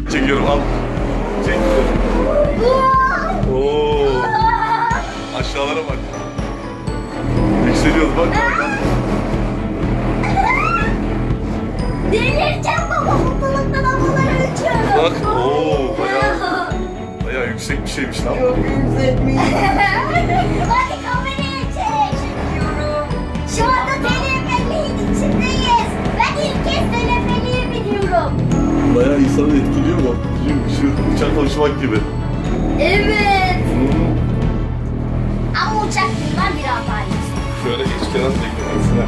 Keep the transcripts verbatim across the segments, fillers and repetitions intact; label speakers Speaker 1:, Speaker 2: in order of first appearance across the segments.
Speaker 1: Çekiyorum al. Çekiyorum. Oo. Aşağılara bak. Yükseliyoruz bak.
Speaker 2: Delireceğim baba, mutluluktan havalara uçuyorum.
Speaker 1: Bak ooo bayağı, bayağı yüksek bir şeymiş lan.
Speaker 3: Çok yükseltmeyin.
Speaker 2: Hadi kamerayı çek. Çekiyorum. Şu anda teleferiğin içindeyiz. Ben ilk kez teleferiğe biniyorum.
Speaker 1: Bayağı insanı etkiliyor mu? Şu uçak konuşmak gibi.
Speaker 2: Evet. Ama uçak bundan biraz daha yüksek.
Speaker 1: Şöyle hiç kenar teklemesine.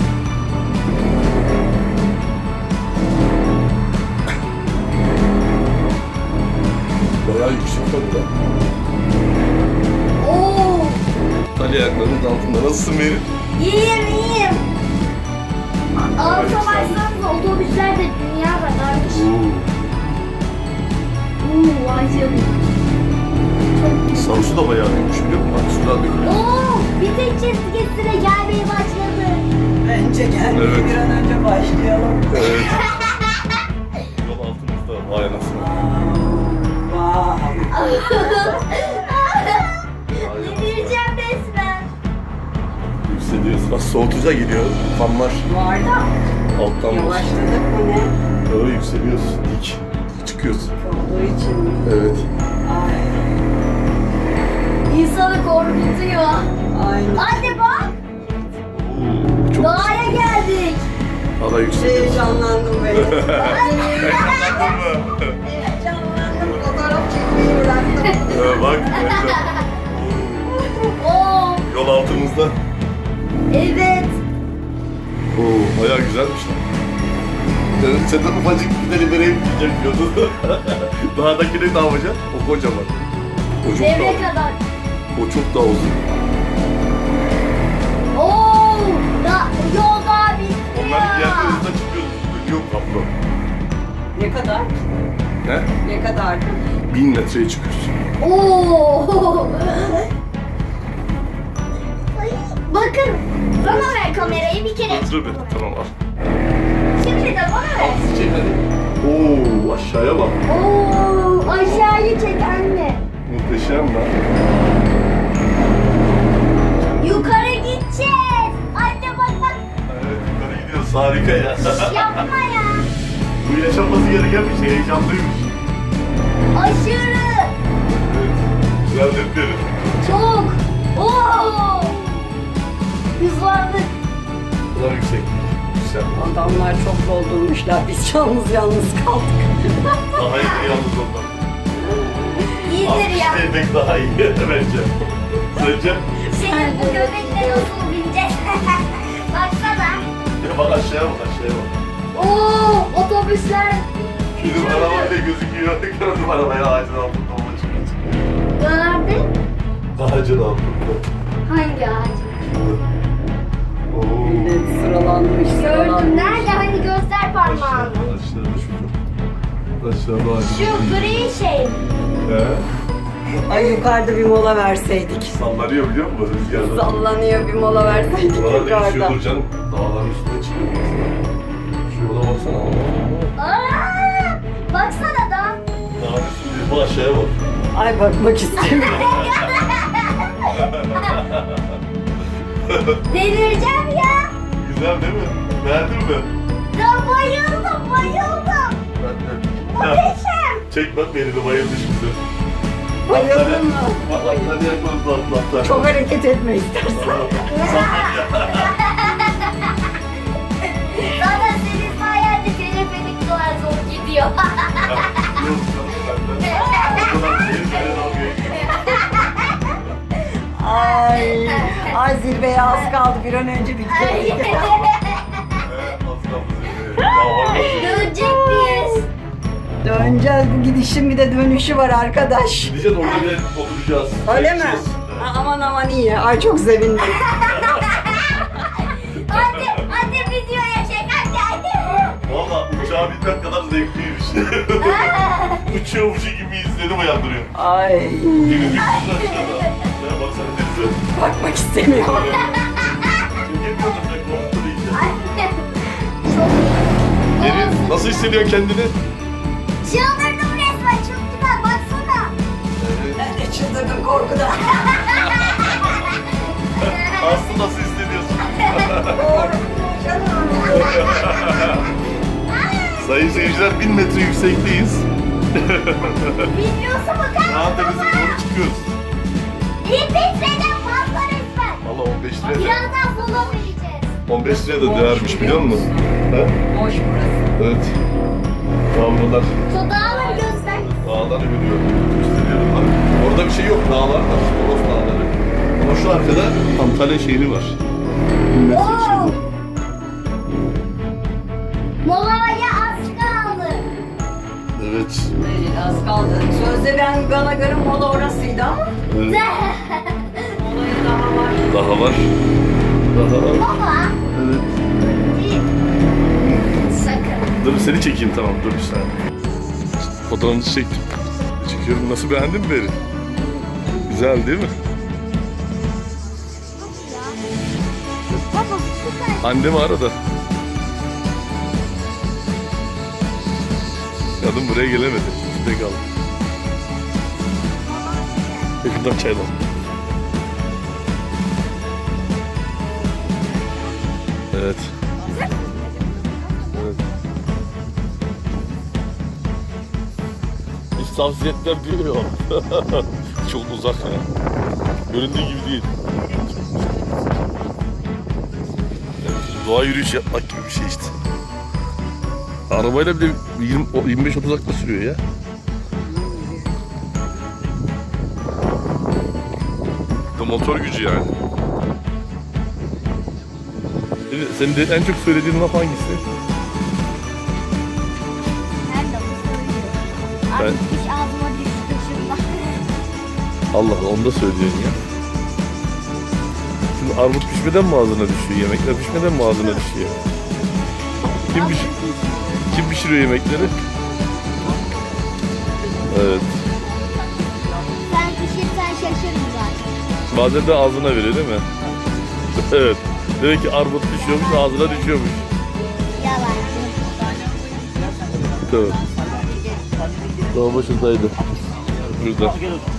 Speaker 1: Bayağı yüksek tabii lan.
Speaker 2: Oo.
Speaker 1: Ali ayaklarının altında nasılsın Meri?
Speaker 2: İyiyim iyiyim. Alta baksanıza otobüsler de dünya kadarmış.
Speaker 1: Oo.
Speaker 2: Uuu vay canına.
Speaker 1: Sarısı da bayağı büyümüş biliyor musun? Bak sudan dökülüyor.
Speaker 2: Oo, bir tek çizgisine gelmeye başladı.
Speaker 3: Bence gelmeye
Speaker 1: Evet.
Speaker 3: bir an önce başlayalım.
Speaker 1: Evet. Yol altımızda vay anasını.
Speaker 3: Vay.
Speaker 2: Delireceğim resmen.
Speaker 1: Yükseliyoruz. Bak soğutuca gidiyor. Fanlar
Speaker 3: Var da
Speaker 1: alttan var.
Speaker 3: yavaşladık mı ne?
Speaker 1: Öyle yükseliyoruz. Dik. Çıkıyoruz.
Speaker 3: Olduğu için mi?
Speaker 1: Evet.
Speaker 3: Ay.
Speaker 2: İnsanı korkutuyor.
Speaker 3: Aynen.
Speaker 2: Anne bak,
Speaker 1: Oo, çok
Speaker 2: dağa geldik.
Speaker 1: daha yükseliyoruz.
Speaker 3: Heyecanlandım ben.
Speaker 1: Heyecanlandın mı?
Speaker 3: Heyecanlandım. Fotoğraf çekmeyi bıraktım.
Speaker 1: Ee, bak. evet.
Speaker 2: Oo,
Speaker 1: Yol altımızda.
Speaker 2: evet.
Speaker 1: Oo, bayağı güzelmiş lan. Dedim senden ufacık bir deli vereyim diyecek diyordun. Dağdakini ne yapacaksın? O kocaman. O çok
Speaker 2: Devre
Speaker 1: daha,
Speaker 2: kadar.
Speaker 1: o çok daha uzun.
Speaker 2: Oo, da, yolda bitiyor.
Speaker 1: Onların yerlerinde çıkıyoruz. Döküyor kaplı.
Speaker 3: Ne kadar?
Speaker 1: Ne?
Speaker 3: Ne kadar?
Speaker 1: Bin metreye çıkıyoruz.
Speaker 2: Oo. Bakın, bana ver kamerayı bir kere.
Speaker 1: Dur bir. Tamam al.
Speaker 2: Şimdi de bana ver.
Speaker 1: Çek hadi. Oo aşağıya bak.
Speaker 2: Oo, aşağıyı çek anne.
Speaker 1: Muhteşem lan.
Speaker 2: Yukarı gideceğiz. Anne bak bak.
Speaker 1: Evet yukarı gidiyoruz. Harika ya.
Speaker 2: Yapma ya.
Speaker 1: Bu yaşanması gereken bir şey. Heyecanlıymış.
Speaker 2: Aşırı.
Speaker 1: Evet. Güzel dedim.
Speaker 2: Çok. Oo. Hızlandık.
Speaker 1: Bu da yüksek. Güzel.
Speaker 3: Adamlar çok doldurmuşlar. Biz yalnız yalnız kaldık.
Speaker 1: Daha iyi yalnız ondan.
Speaker 2: İyidir ya.
Speaker 1: Alkış demek daha iyi bence. Sence?
Speaker 2: Senin bu göbekle nasıl bineceğiz? Baksana.
Speaker 1: Ya bak aşağıya bak aşağıya bak.
Speaker 2: Oo, otobüsler.
Speaker 1: Bizim araba bile gözüküyor. Gördüm arabayı ağacın altında ona çıkıyor.
Speaker 2: Nerede?
Speaker 1: Ağacın altında.
Speaker 2: Hangi ağaç?
Speaker 1: Oo.
Speaker 3: Evet, sıralanmış.
Speaker 2: Gördüm.
Speaker 3: sıralanmış.
Speaker 2: Nerede? Hani göster parmağını.
Speaker 1: Aşağıda, aşağıda şurada. Aşağıda ağacın
Speaker 2: Şu
Speaker 1: altında.
Speaker 2: gri şey.
Speaker 1: He?
Speaker 3: Ay yukarıda bir mola verseydik.
Speaker 1: Sallanıyor biliyor musun rüzgarda?
Speaker 3: Sallanıyor, bir mola verseydik
Speaker 1: Buralar
Speaker 3: yukarıda.
Speaker 1: değişiyordur canım. Dağların üstüne çıkıyor mesela. Şu yola baksana.
Speaker 2: Aa, baksana da.
Speaker 1: Dağın üstünde bu aşağıya bak.
Speaker 3: Ay bakmak istemiyorum.
Speaker 2: Delireceğim ya.
Speaker 1: Güzel değil mi? Beğendin mi?
Speaker 2: Ya bayıldım bayıldım.
Speaker 1: Ben de.
Speaker 2: Muhteşem.
Speaker 1: Çek bak beni de bayıldı şimdi.
Speaker 3: Bayıldın mı?
Speaker 1: Bak atları yakmadı da atlar.
Speaker 3: Çok hareket etme istersen.
Speaker 2: Zaten senin sayende teleferik kadar zor gidiyor.
Speaker 3: Ay, ay zirveye az kaldı. Bir an önce bitecek.
Speaker 2: Dönecek miyiz?
Speaker 3: Döneceğiz. Bu gidişin bir de dönüşü var arkadaş.
Speaker 1: Gideceğiz orada bile oturacağız.
Speaker 3: Öyle mi?
Speaker 1: Geçeceğiz.
Speaker 3: Ha, aman aman iyi. Ay çok sevindim.
Speaker 2: Hadi, hadi videoya çek hadi hadi.
Speaker 1: Valla uçağa binmek kadar zevkliymiş. Uçuyormuş gibi izledim uyandırıyor.
Speaker 3: Ay,
Speaker 1: Deniz bir kız aşağıda. Ya baksana denize.
Speaker 3: bakmak istemiyorum.
Speaker 1: Çekemiyorum da korktu iyice.
Speaker 2: Anne, çok iyi.
Speaker 1: Deniz nasıl hissediyorsun kendini?
Speaker 2: Çıldırdım resmen
Speaker 3: çıldırdım korkudan.
Speaker 1: Aslı nasıl hissediyorsun?
Speaker 3: Doğru. Canım.
Speaker 1: Sayın seyirciler bin metre yüksekteyiz.
Speaker 2: Biliyorsun mu kanka?
Speaker 1: Dağ tepesine doğru çıkıyoruz.
Speaker 2: Bir metreden fazla resmen.
Speaker 1: Valla on beş liraya da,
Speaker 2: Birazdan sola vereceğiz.
Speaker 1: on beş liraya da değermiş biliyor musun? He?
Speaker 3: Boş burası.
Speaker 1: Evet. Dağlar,
Speaker 2: Şu dağları göster.
Speaker 1: dağları görüyorum. Gösteriyorum bak. Orada bir şey yok. Dağlar var. Toros dağları. Ama şu arkada Antalya şehri var. Bin metre yüksekte.
Speaker 2: Molaya az kaldı.
Speaker 1: Evet.
Speaker 3: Evet, az kaldı. Sözde ben bana göre mola orasıydı ama
Speaker 1: Evet.
Speaker 3: molaya daha var.
Speaker 1: Daha var. Daha var.
Speaker 2: Baba.
Speaker 1: Evet.
Speaker 2: Sakın.
Speaker 1: Dur seni çekeyim tamam dur bir saniye. Fotoğrafınızı çektim. Çekiyorum. Nasıl, beğendin mi beni? Güzel değil mi?
Speaker 2: Baba süper.
Speaker 1: Annemi arada. Kadın buraya gelemedi. Şurada kaldı. Şuradan çaydan. Evet. Evet. Hiç tavsiye etmem diyor. Çok uzak ya. Göründüğü gibi değil. Doğa yürüyüş yapmak gibi bir şey işte. Arabayla bile yirmi yirmi beş otuz dakika sürüyor ya. Bu motor gücü yani. Senin, senin de en çok söylediğin laf hangisi?
Speaker 2: Nerede bu söylüyor?
Speaker 1: Ben-
Speaker 2: Artık diş ağzıma düştü şurada.
Speaker 1: Allah Allah, onu da söylüyorsun ya. Şimdi armut pişmeden mi ağzına düşüyor? Yemekler pişmeden mi ağzına düşüyor? Kim, piş kim pişiriyor yemekleri? Evet.
Speaker 2: Sen pişirsen şaşırırım zaten.
Speaker 1: Bazen de ağzına veriyor değil mi? Evet. Demek ki armut düşüyormuş, ağzına düşüyormuş.
Speaker 2: Yalancı.
Speaker 1: Tamam. Daha başındaydı. Burada.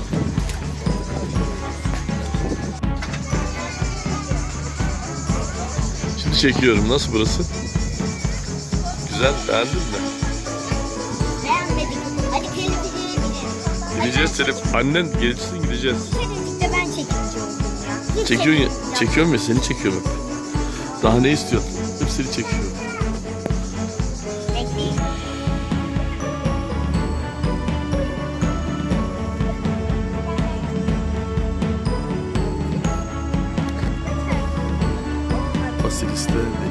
Speaker 1: Şimdi çekiyorum. Nasıl burası? Güzel. Beğendin mi?
Speaker 2: Beğenmedik. Hadi televizyona gidelim.
Speaker 1: Gideceğiz Selim. Annen gelirsin gideceğiz.
Speaker 2: Kesinlikle ben çekici oldum ya. Hiç
Speaker 1: Çekiyorsun ya.
Speaker 2: çekmeyeceğim.
Speaker 1: Çekiyorum ya, seni çekiyorum hep. Daha ne istiyorsun? Hep seni çekiyorum.
Speaker 2: Bekleyin.
Speaker 1: Fasiliste